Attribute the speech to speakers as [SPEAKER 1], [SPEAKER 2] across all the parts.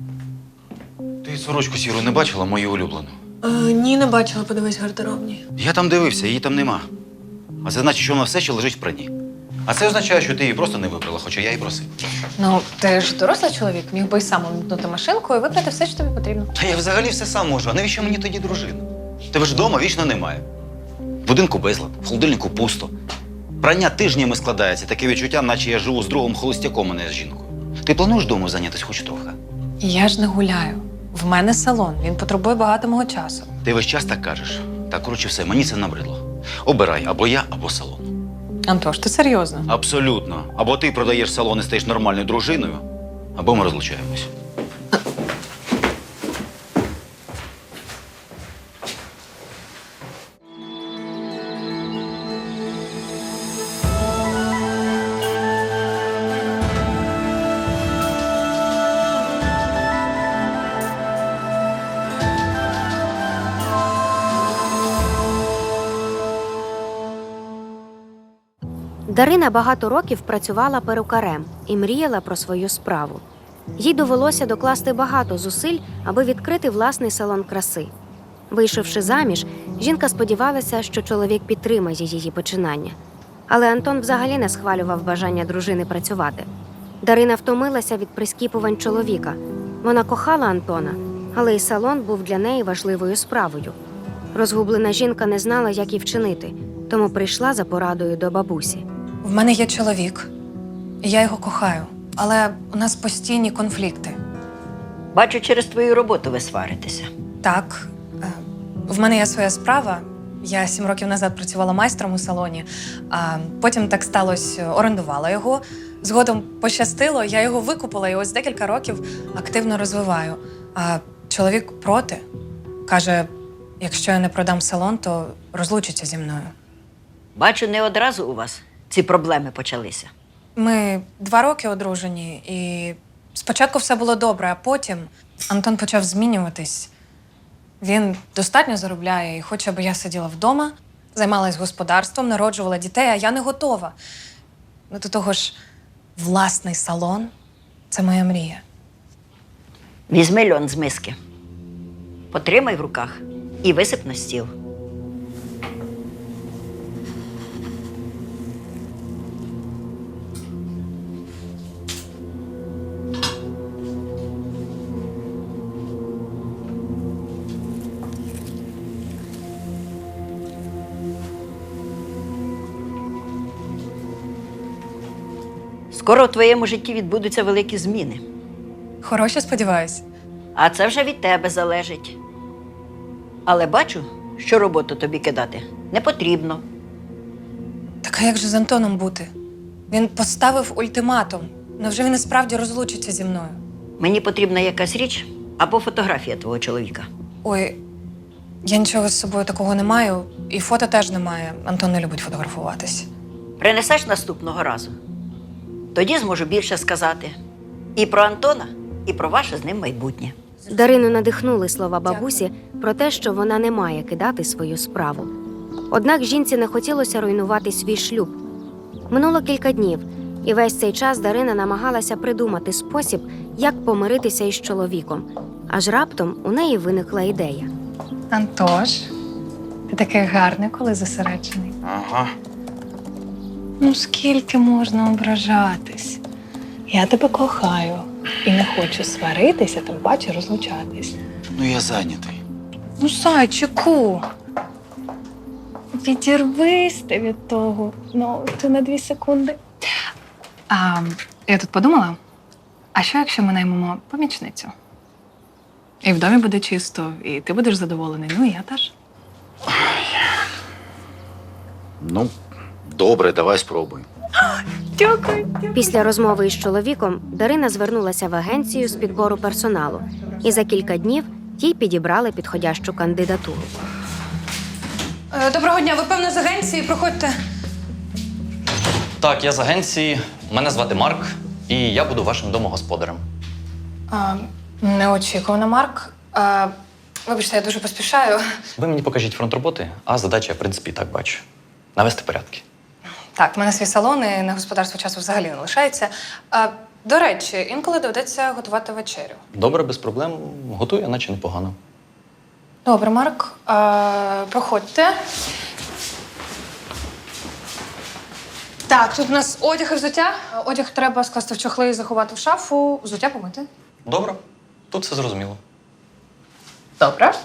[SPEAKER 1] Ти сорочку сіру не бачила, мою улюблену?
[SPEAKER 2] Ні, не бачила, подивись гардеробні.
[SPEAKER 1] Я там дивився, її там нема. А це значить, що вона все ще лежить в прані. А це означає, що ти її просто не вибрала, хоча я і просив.
[SPEAKER 2] Ну, ти ж дорослий чоловік, міг би й сам увімкнути машинку і вибрати все, що тобі потрібно.
[SPEAKER 1] Та я взагалі все сам можу. А навіщо мені тоді дружина? Тебе ж вдома вічно немає. В будинку безлад, в холодильнику пусто. Прання тижнями складається, таке відчуття, наче я живу з другом холостяком, а не з жінкою. Ти плануєш вдома зайнятися хоч трохи?
[SPEAKER 2] Я ж не гуляю. В мене салон, він потребує багато мого часу.
[SPEAKER 1] Ти весь час так кажеш. Так, коротше, все, мені це набридло. Обирай або я, або салон.
[SPEAKER 2] Антош, ти серйозно?
[SPEAKER 1] Абсолютно. Або ти продаєш салон і стаєш нормальною дружиною, або ми розлучаємось.
[SPEAKER 3] Дарина багато років працювала перукарем і мріяла про свою справу. Їй довелося докласти багато зусиль, аби відкрити власний салон краси. Вийшовши заміж, жінка сподівалася, що чоловік підтримає її починання. Але Антон взагалі не схвалював бажання дружини працювати. Дарина втомилася від прискіпувань чоловіка. Вона кохала Антона, але й салон був для неї важливою справою. Розгублена жінка не знала, як і вчинити, тому прийшла за порадою до бабусі.
[SPEAKER 2] В мене є чоловік, і я його кохаю, але у нас постійні конфлікти.
[SPEAKER 4] Бачу, через твою роботу ви сваритеся.
[SPEAKER 2] Так, в мене є своя справа. Я 7 років назад працювала майстром у салоні, а потім так сталося, орендувала його. Згодом пощастило, я його викупила і ось декілька років активно розвиваю. А чоловік проти. Каже, якщо я не продам салон, то розлучиться зі мною.
[SPEAKER 4] Бачу, не одразу у вас ці проблеми почалися.
[SPEAKER 2] Ми 2 роки одружені, і спочатку все було добре, а потім Антон почав змінюватись. Він достатньо заробляє і хоче, аби я сиділа вдома, займалась господарством, народжувала дітей, а я не готова. Ну, до того ж, власний салон – це моя мрія.
[SPEAKER 4] Візьми льон з миски, потримай в руках і висип на стіл. Скоро в твоєму житті відбудуться великі зміни.
[SPEAKER 2] Хороше, сподіваюсь.
[SPEAKER 4] А це вже від тебе залежить. Але бачу, що роботу тобі кидати не потрібно.
[SPEAKER 2] Так а як же з Антоном бути? Він поставив ультиматум. Невже він і справді розлучиться зі мною?
[SPEAKER 4] Мені потрібна якась річ або фотографія твого чоловіка.
[SPEAKER 2] Ой, я нічого з собою такого не маю, і фото теж немає. Антон не любить фотографуватись.
[SPEAKER 4] Принесеш наступного разу. Тоді зможу більше сказати. І про Антона, і про ваше з ним майбутнє.
[SPEAKER 3] Дарину надихнули слова бабусі про те, що вона не має кидати свою справу. Однак жінці не хотілося руйнувати свій шлюб. Минуло кілька днів, і весь цей час Дарина намагалася придумати спосіб, як помиритися із чоловіком. Аж раптом у неї виникла ідея.
[SPEAKER 2] Антош, ти такий гарний, коли зосереджений.
[SPEAKER 1] Ага.
[SPEAKER 2] Ну, скільки можна ображатись? Я тебе кохаю і не хочу сваритися, тим паче розлучатись.
[SPEAKER 1] Ну, я зайнятий.
[SPEAKER 2] Ну, зайчику, відірвись ти від того. Ну, ти на 2 секунди. Я тут подумала, а що якщо ми наймемо помічницю? І в домі буде чисто, і ти будеш задоволений, ну і я теж.
[SPEAKER 1] Ну, добре, давай спробуємо.
[SPEAKER 2] Дякую.
[SPEAKER 3] Після розмови із чоловіком Дарина звернулася в агенцію з підбору персоналу, і за кілька днів їй підібрали підходящу кандидатуру.
[SPEAKER 2] Доброго дня, ви, певно, з агенції, проходьте.
[SPEAKER 5] Так, я з агенції. Мене звати Марк, і я буду вашим домогосподарем.
[SPEAKER 2] Неочікувано, Марк. Вибачте, я дуже поспішаю.
[SPEAKER 5] Ви мені покажіть фронт роботи, а задача я, в принципі, і так бачу. Навести порядки.
[SPEAKER 2] Так, в мене свій салон, і на господарство часу взагалі не лишається. До речі, інколи доведеться готувати вечерю.
[SPEAKER 5] Добре, без проблем. Готую, наче непогано.
[SPEAKER 2] Добре, Марк, проходьте. Так, тут у нас одяг і взуття. Одяг треба скласти в чохли і заховати в шафу, взуття помити.
[SPEAKER 5] Добре, тут все зрозуміло.
[SPEAKER 2] Добре.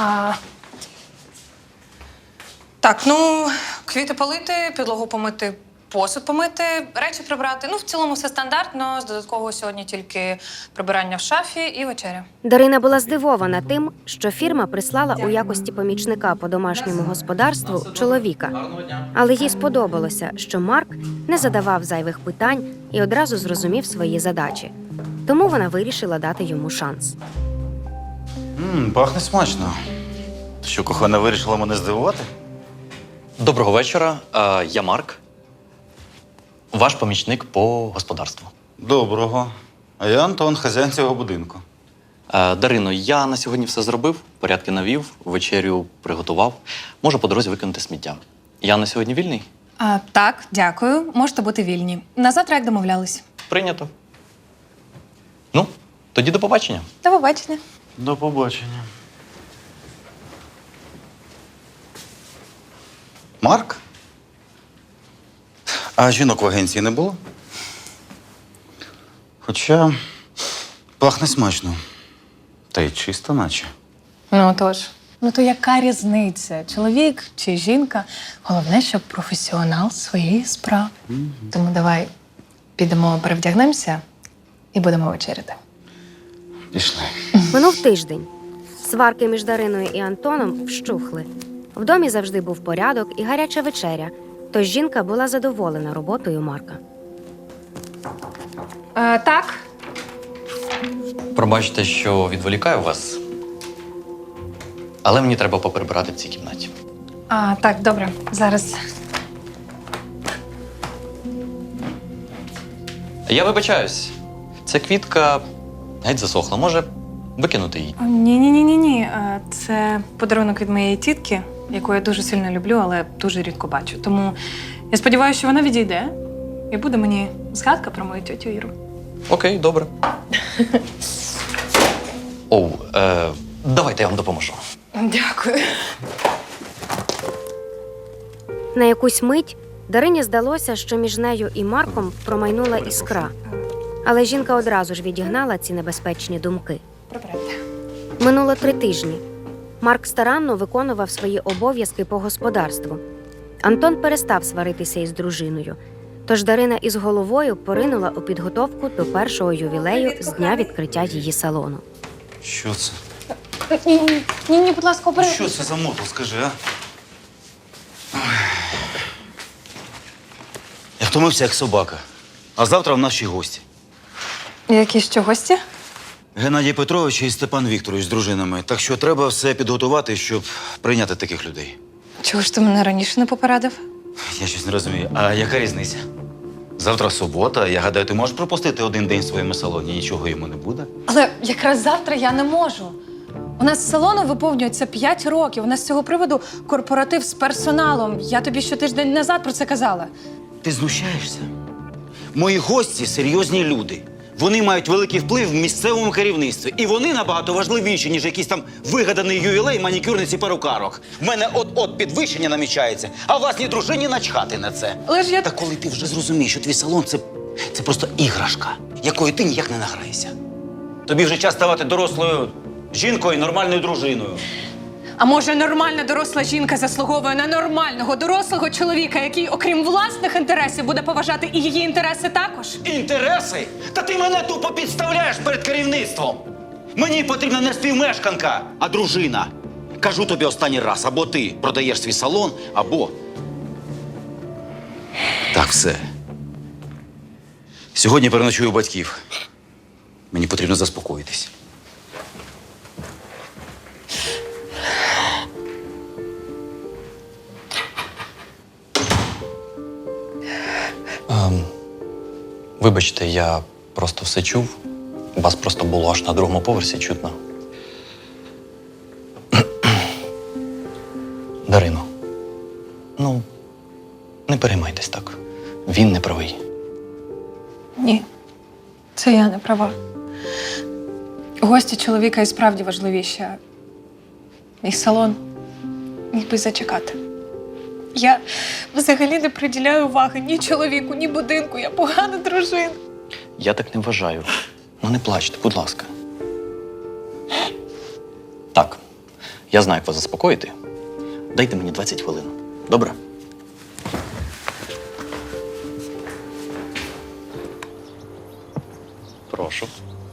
[SPEAKER 2] Так, ну, квіти полити, підлогу помити, посуд помити, речі прибрати. Ну, в цілому все стандартно. З додаткового сьогодні тільки прибирання в шафі і вечеря.
[SPEAKER 3] Дарина була здивована тим, що фірма прислала у якості помічника по домашньому господарству чоловіка. Але їй сподобалося, що Марк не задавав зайвих питань і одразу зрозумів свої задачі. Тому вона вирішила дати йому шанс.
[SPEAKER 1] Пахне смачно. Що, кохана вирішила мене здивувати?
[SPEAKER 5] Доброго вечора. Я Марк. Ваш помічник по господарству.
[SPEAKER 1] Доброго. А я Антон, хазяїн цього будинку.
[SPEAKER 5] Дарино, я на сьогодні все зробив, порядки навів, вечерю приготував. Можу по дорозі викинути сміття. Я на сьогодні вільний?
[SPEAKER 2] Так, дякую. Можете бути вільні. На завтра, як домовлялись.
[SPEAKER 5] Прийнято. Ну, тоді до побачення.
[SPEAKER 2] До побачення.
[SPEAKER 1] До побачення. Марк? А жінок в агенції не було? Хоча пахне смачно. Та й чисто наче.
[SPEAKER 2] Ну тож. Ну то яка різниця? Чоловік чи жінка? Головне, щоб професіонал своєї справи. Тому давай підемо, перевдягнемося і будемо вечеряти.
[SPEAKER 1] Пішли.
[SPEAKER 3] Минув тиждень. Сварки між Дариною і Антоном вщухли. В домі завжди був порядок і гаряча вечеря, тож жінка була задоволена роботою Марка.
[SPEAKER 2] Так.
[SPEAKER 5] Пробачте, що відволікаю вас. Але мені треба поприбирати в цій кімнаті.
[SPEAKER 2] Так, добре. Зараз.
[SPEAKER 5] Я вибачаюсь. Ця квітка геть засохла. Може, викинути її?
[SPEAKER 2] Ні. Це подарунок від моєї тітки, яку я дуже сильно люблю, але дуже рідко бачу. Тому я сподіваюся, що вона відійде і буде мені згадка про мою тьотю Іру.
[SPEAKER 5] Окей, добре. Давайте я вам допоможу.
[SPEAKER 2] Дякую.
[SPEAKER 3] На якусь мить Дарині здалося, що між нею і Марком промайнула іскра. Але жінка одразу ж відігнала ці небезпечні думки.
[SPEAKER 2] Прибирайте.
[SPEAKER 3] Минуло 3 тижні. Марк старанно виконував свої обов'язки по господарству. Антон перестав сваритися із дружиною. Тож Дарина із головою поринула у підготовку до першого ювілею з дня відкриття її салону.
[SPEAKER 1] Що це?
[SPEAKER 2] Ні, будь ласка, обережно.
[SPEAKER 1] Що це за мотор, скажи, а? Ой. Я втомився, як собака. А завтра в нас ще гості.
[SPEAKER 2] Які ще гості?
[SPEAKER 1] Геннадій Петрович і Степан Вікторович з дружинами. Так що треба все підготувати, щоб прийняти таких людей.
[SPEAKER 2] Чого ж ти мене раніше не попередив?
[SPEAKER 1] Я щось не розумію. А яка різниця? Завтра субота. Я гадаю, ти можеш пропустити один день в своєму салоні, нічого йому не буде.
[SPEAKER 2] Але якраз завтра я не можу. У нас з салону виповнюється 5 років. У нас з цього приводу корпоратив з персоналом. Я тобі ще тиждень назад про це казала.
[SPEAKER 1] Ти знущаєшся? Мої гості серйозні люди. Вони мають великий вплив в місцевому керівництві. І вони набагато важливіші, ніж якийсь там вигаданий ювілей манікюрниці перукарок. В мене от-от підвищення намічається, а власній дружині начхати на це.
[SPEAKER 2] Але ж я...
[SPEAKER 1] Та коли ти вже зрозумієш, що твій салон це просто іграшка, якою ти ніяк не награєшся. Тобі вже час ставати дорослою жінкою і нормальною дружиною.
[SPEAKER 2] А може, нормальна доросла жінка заслуговує на нормального дорослого чоловіка, який, окрім власних інтересів, буде поважати і її інтереси також?
[SPEAKER 1] Інтереси? Та ти мене тупо підставляєш перед керівництвом. Мені потрібна не співмешканка, а дружина. Кажу тобі останній раз, або ти продаєш свій салон, або... Так, все. Сьогодні переночую у батьків. Мені потрібно заспокоїтись.
[SPEAKER 5] Вибачте, я просто все чув. Вас просто було аж на другому поверсі чутно. Дарино, ну, не переймайтесь так. Він не правий.
[SPEAKER 2] Ні. Це я не права. Гості чоловіка і справді важливіші. А мій салон міг би зачекати. Я взагалі не приділяю уваги ні чоловіку, ні будинку. Я погана дружина.
[SPEAKER 5] Я так не вважаю. Ну не плачте, будь ласка. Так, я знаю, як вас заспокоїти. Дайте мені 20 хвилин. Добре? Прошу.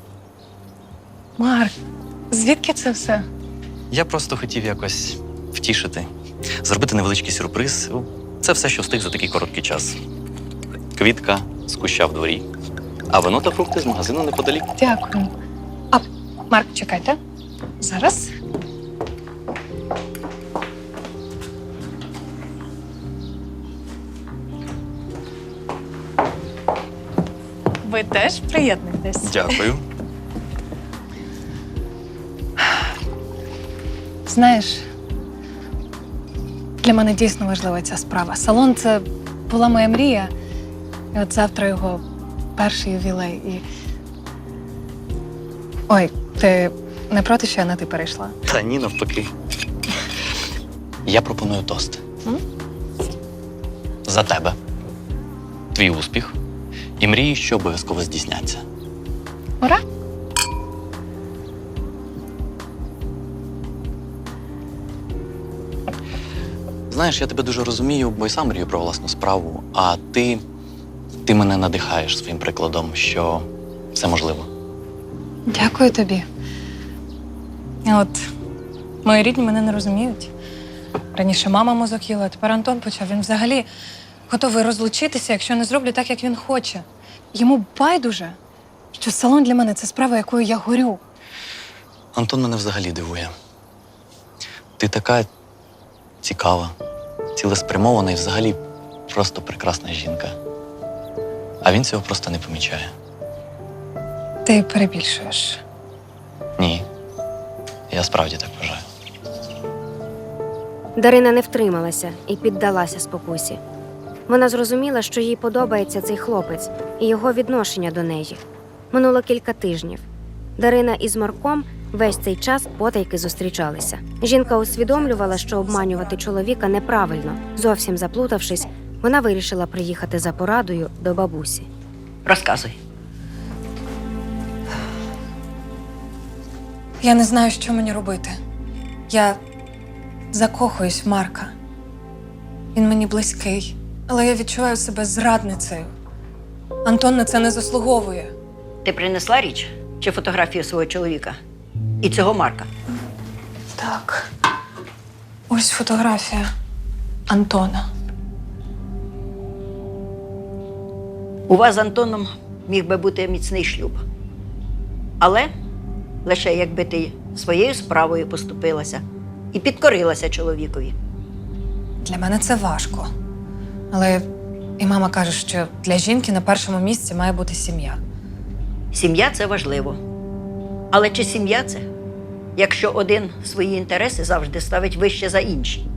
[SPEAKER 2] Марк, звідки це все?
[SPEAKER 5] Я просто хотів якось втішити, зробити невеличкий сюрприз. Це все, що встиг за такий короткий час. Квітка з куща в дворі, а вино та фрукти з магазину неподалік.
[SPEAKER 2] Дякую. А, Марк, чекайте. Зараз. Ви теж приєднуєтесь.
[SPEAKER 5] Дякую.
[SPEAKER 2] Знаєш, для мене дійсно важлива ця справа. Салон – це була моя мрія. І от завтра його перший ювілей. І... Ой, ти не проти, що я на ти перейшла?
[SPEAKER 5] Та ні, навпаки. Я пропоную тост.
[SPEAKER 2] М?
[SPEAKER 5] За тебе. Твій успіх. І мрії, що обов'язково здійсняться.
[SPEAKER 2] Ура!
[SPEAKER 5] Знаєш, я тебе дуже розумію, бо й сам мрію про власну справу, а ти мене надихаєш своїм прикладом, що все можливо.
[SPEAKER 2] Дякую тобі. От мої рідні мене не розуміють. Раніше мама мозок їла, а тепер Антон почав. Він взагалі готовий розлучитися, якщо не зроблю так, як він хоче. Йому байдуже, що салон для мене це справа, якою я горю.
[SPEAKER 5] Антон мене взагалі дивує. Ти така цікава, цілеспрямована і взагалі просто прекрасна жінка. А він цього просто не помічає.
[SPEAKER 2] Ти перебільшуєш.
[SPEAKER 5] Ні. Я справді так вважаю.
[SPEAKER 3] Дарина не втрималася і піддалася спокусі. Вона зрозуміла, що їй подобається цей хлопець і його відношення до неї. Минуло кілька тижнів. Дарина із Марком весь цей час потайки зустрічалися. Жінка усвідомлювала, що обманювати чоловіка неправильно. Зовсім заплутавшись, вона вирішила приїхати за порадою до бабусі.
[SPEAKER 4] Розказуй.
[SPEAKER 2] Я не знаю, що мені робити. Я закохуюсь в Марка. Він мені близький, але я відчуваю себе зрадницею. Антон на це не заслуговує.
[SPEAKER 4] Ти принесла річ чи фотографію свого чоловіка? І цього Марка?
[SPEAKER 2] Так. Ось фотографія Антона.
[SPEAKER 4] У вас з Антоном міг би бути міцний шлюб. Але лише якби ти своєю справою поступилася і підкорилася чоловікові.
[SPEAKER 2] Для мене це важко. Але і мама каже, що для жінки на першому місці має бути сім'я.
[SPEAKER 4] Сім'я – це важливо. Але чи сім'я це, якщо один свої інтереси завжди ставить вище за інші?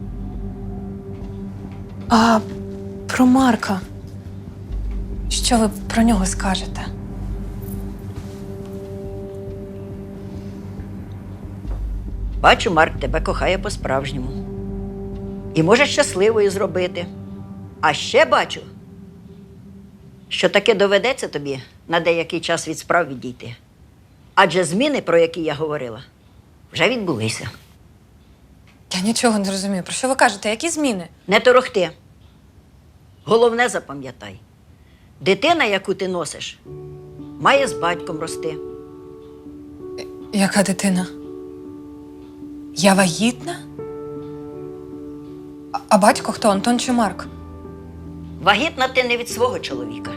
[SPEAKER 2] А про Марка? Що ви про нього скажете?
[SPEAKER 4] Бачу, Марк тебе кохає по-справжньому. І може щасливою зробити. А ще бачу, що таки доведеться тобі на деякий час від справ відійти. Адже зміни, про які я говорила, вже відбулися.
[SPEAKER 2] Я нічого не розумію. Про що ви кажете? Які зміни?
[SPEAKER 4] Не торохти. Головне запам'ятай. Дитина, яку ти носиш, має з батьком рости.
[SPEAKER 2] Яка дитина? Я вагітна? А батько хто? Антон чи Марк?
[SPEAKER 4] Вагітна ти не від свого чоловіка.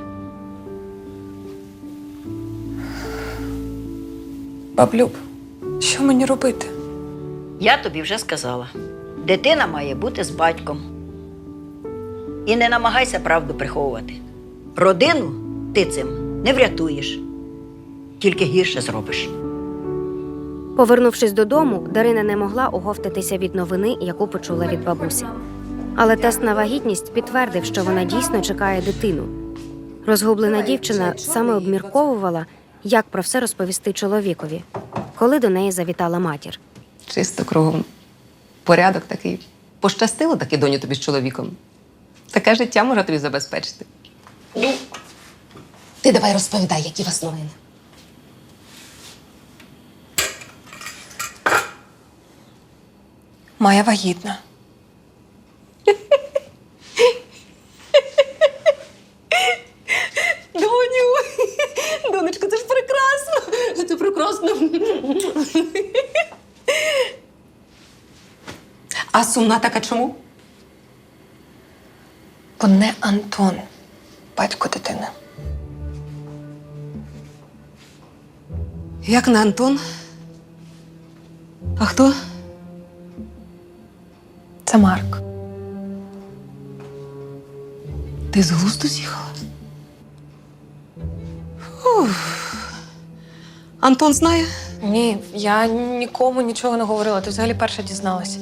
[SPEAKER 2] Баблюб, що мені робити?
[SPEAKER 4] Я тобі вже сказала. Дитина має бути з батьком. І не намагайся правду приховувати. Родину ти цим не врятуєш. Тільки гірше зробиш.
[SPEAKER 3] Повернувшись додому, Дарина не могла оговтатися від новини, яку почула від бабусі. Але тест на вагітність підтвердив, що вона дійсно чекає дитину. Розгублена дівчина саме обмірковувала, як про все розповісти чоловікові, коли до неї завітала матір.
[SPEAKER 6] Чисто кругом. Порядок такий. Пощастило таки, доню, тобі з чоловіком. Таке життя може тобі забезпечити. Ну, ти давай розповідай, які у вас новини.
[SPEAKER 2] Майя вагітна.
[SPEAKER 6] Доню, донечко, це ж прекрасно. Це прекрасно. А сумна така чому?
[SPEAKER 2] Бо не Антон, батько дитини.
[SPEAKER 6] Як не Антон? А хто?
[SPEAKER 2] Це Марк.
[SPEAKER 6] Ти з глузду з'їхала? Уф. Антон знає?
[SPEAKER 2] Ні, я нікому нічого не говорила. Ти взагалі перша дізналась.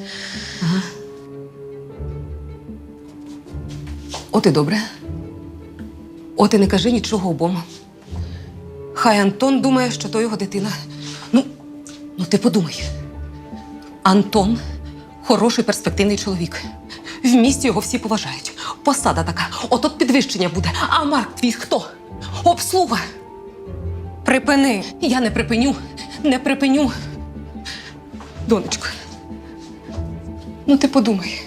[SPEAKER 6] От і добре. От і не кажи нічого обом. Хай Антон думає, що то його дитина. Ну ти подумай. Антон хороший перспективний чоловік. В місті його всі поважають. Посада така. От підвищення буде. А Марк твій хто? Обслуга.
[SPEAKER 2] Припини!
[SPEAKER 6] Я не припиню. Не припиню. Донечко. Ну ти подумай.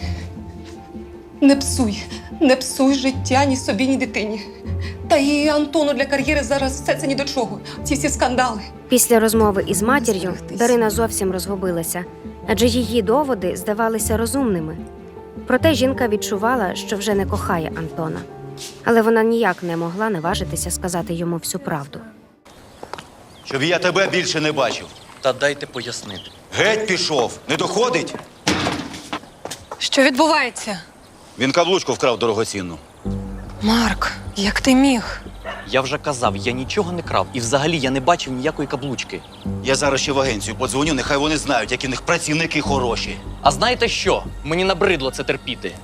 [SPEAKER 6] Не псуй життя ні собі, ні дитині. Та і Антону для кар'єри зараз все це ні до чого. Ці всі скандали.
[SPEAKER 3] Після розмови із матір'ю Дарина зовсім розгубилася, адже її доводи здавалися розумними. Проте жінка відчувала, що вже не кохає Антона. Але вона ніяк не могла наважитися сказати йому всю правду.
[SPEAKER 1] Щоб я тебе більше не бачив.
[SPEAKER 5] Та дайте пояснити.
[SPEAKER 1] Геть пішов. Не доходить?
[SPEAKER 2] Що відбувається?
[SPEAKER 1] Він каблучку вкрав дорогоцінну.
[SPEAKER 2] Марк, як ти міг?
[SPEAKER 5] Я вже казав, я нічого не крав. І взагалі я не бачив ніякої каблучки.
[SPEAKER 1] Я зараз ще в агенцію подзвоню, нехай вони знають, які в них працівники хороші.
[SPEAKER 5] А знаєте що? Мені набридло це терпіти.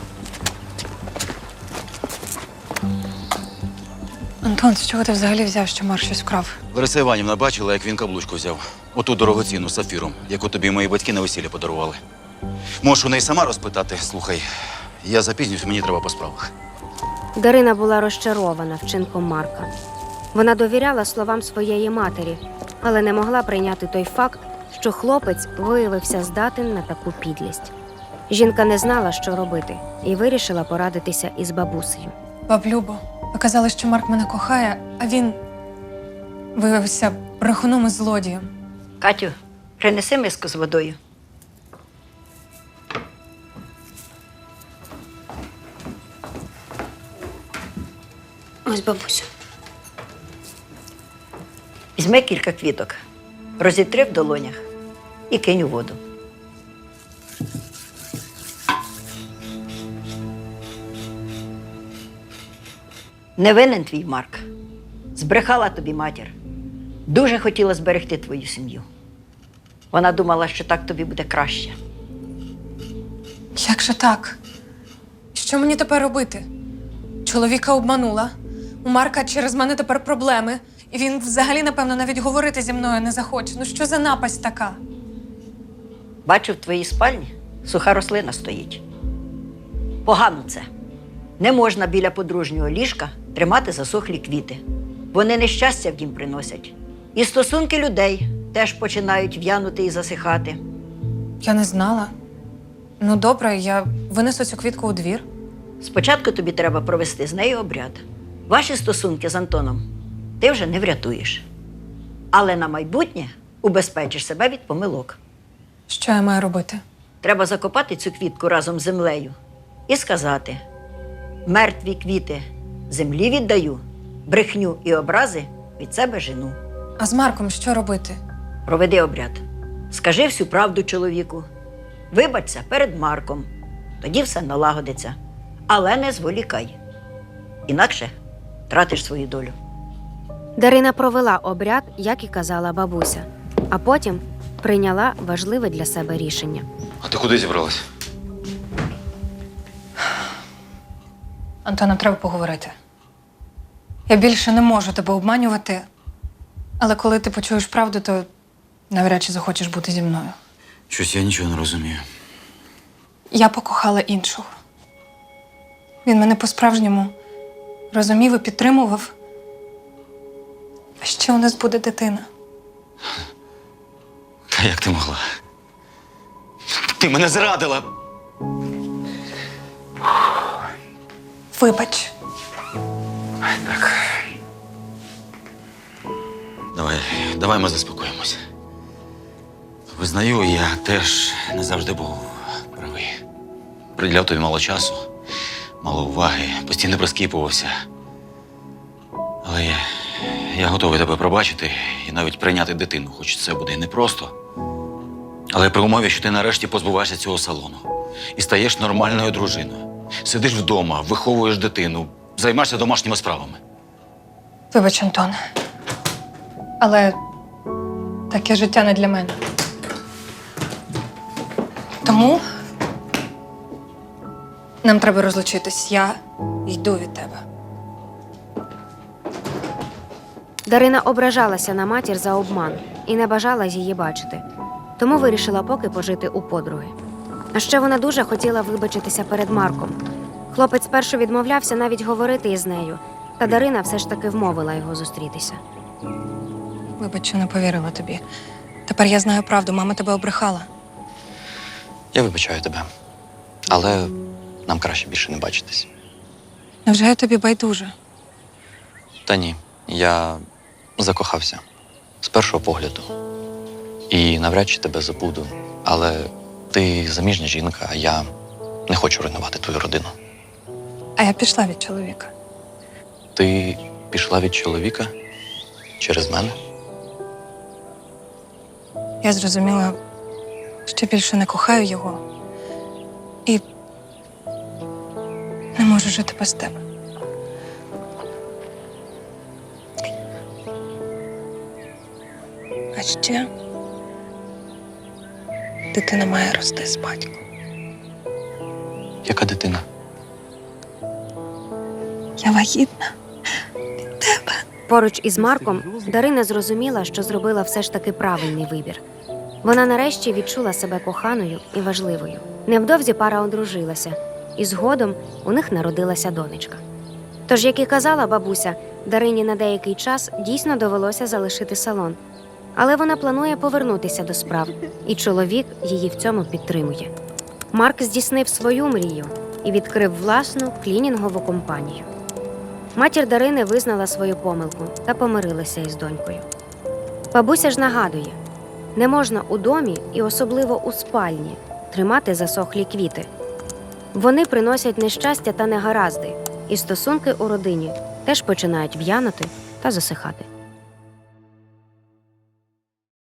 [SPEAKER 2] Антон, з чого ти взагалі взяв, що Марк щось вкрав?
[SPEAKER 1] Лариса Іванівна бачила, як він каблучку взяв. Оту дорогоцінну з сапфіром, яку тобі мої батьки на весілля подарували. Можеш у неї сама розпитати. Слухай, я запізнююсь, мені треба по справах.
[SPEAKER 3] Дарина була розчарована вчинком Марка. Вона довіряла словам своєї матері, але не могла прийняти той факт, що хлопець виявився здатен на таку підлість. Жінка не знала, що робити, і вирішила порадитися із бабусею.
[SPEAKER 2] Баб Любо, ви казали, що Марк мене кохає, а він виявився брехуном і злодієм.
[SPEAKER 4] Катю, принеси миску з водою.
[SPEAKER 3] Ось бабуся.
[SPEAKER 4] Візьми кілька квіток, розітри в долонях і кинь у воду. Не винен твій Марк. Збрехала тобі матір. Дуже хотіла зберегти твою сім'ю. Вона думала, що так тобі буде краще.
[SPEAKER 2] Як же так? Що мені тепер робити? Чоловіка обманула. У Марка через мене тепер проблеми. І він взагалі, напевно, навіть говорити зі мною не захоче. Ну що за напасть така?
[SPEAKER 4] Бачу, в твоїй спальні суха рослина стоїть. Погано це. Не можна біля подружнього ліжка тримати засохлі квіти. Вони нещастя в дім приносять. І стосунки людей теж починають в'янути і засихати.
[SPEAKER 2] Я не знала. Ну добре, я винесу цю квітку у двір.
[SPEAKER 4] Спочатку тобі треба провести з нею обряд. Ваші стосунки з Антоном ти вже не врятуєш. Але на майбутнє убезпечиш себе від помилок.
[SPEAKER 2] Що я маю робити?
[SPEAKER 4] Треба закопати цю квітку разом з землею і сказати: мертві квіти землі віддаю, брехню і образи від себе жену.
[SPEAKER 2] А з Марком що робити?
[SPEAKER 4] Проведи обряд. Скажи всю правду чоловіку. Вибачся перед Марком. Тоді все налагодиться. Але не зволікай. Інакше втратиш свою долю.
[SPEAKER 3] Дарина провела обряд, як і казала бабуся, а потім прийняла важливе для себе рішення.
[SPEAKER 1] А ти куди зібралась?
[SPEAKER 2] Антон, нам треба поговорити. Я більше не можу тебе обманювати, але коли ти почуєш правду, то навряд чи захочеш бути зі мною.
[SPEAKER 1] Щось я нічого не розумію.
[SPEAKER 2] Я покохала іншого. Він мене по-справжньому розумів і підтримував. А ще у нас буде дитина.
[SPEAKER 1] Та як ти могла? Ти мене зрадила!
[SPEAKER 2] Вибач.
[SPEAKER 1] Так. Давай ми заспокоїмося. Визнаю, я теж не завжди був правий. Приділяв тобі мало часу, мало уваги, постійно прискіпувався. Але я готовий тебе пробачити і навіть прийняти дитину, хоч це буде і непросто. Але при умові, що ти нарешті позбуваєшся цього салону і стаєш нормальною дружиною. Сидиш вдома, виховуєш дитину, займаєшся домашніми справами.
[SPEAKER 2] Вибач, Антон. Але таке життя не для мене. Тому нам треба розлучитись. Я йду від тебе.
[SPEAKER 3] Дарина ображалася на матір за обман і не бажала її бачити. Тому вирішила поки пожити у подруги. А ще вона дуже хотіла вибачитися перед Марком. Хлопець спершу відмовлявся навіть говорити із нею, та Дарина все ж таки вмовила його зустрітися.
[SPEAKER 2] Вибач, що не повірила тобі. Тепер я знаю правду, мама тебе обрехала.
[SPEAKER 5] Я вибачаю тебе. Але нам краще більше не бачитись.
[SPEAKER 2] Невже я тобі байдуже?
[SPEAKER 5] Та ні, я закохався з першого погляду. І навряд чи тебе забуду. Але ти заміжня жінка, а я не хочу руйнувати твою родину.
[SPEAKER 2] А я пішла від чоловіка.
[SPEAKER 5] Ти пішла від чоловіка через мене?
[SPEAKER 2] Я зрозуміла, що більше не кохаю його. І не можу жити без тебе. А ще дитина має рости з батьком.
[SPEAKER 5] Яка дитина?
[SPEAKER 2] Я вагітна від тебе.
[SPEAKER 3] Поруч із Марком Дарина зрозуміла, що зробила все ж таки правильний вибір. Вона нарешті відчула себе коханою і важливою. Невдовзі пара одружилася, і згодом у них народилася донечка. Тож, як і казала бабуся, Дарині на деякий час дійсно довелося залишити салон. Але вона планує повернутися до справ, і чоловік її в цьому підтримує. Марк здійснив свою мрію і відкрив власну клінінгову компанію. Матір Дарини визнала свою помилку та помирилася із донькою. Бабуся ж нагадує, не можна у домі і особливо у спальні тримати засохлі квіти. Вони приносять нещастя та негаразди, і стосунки у родині теж починають в'янути та засихати.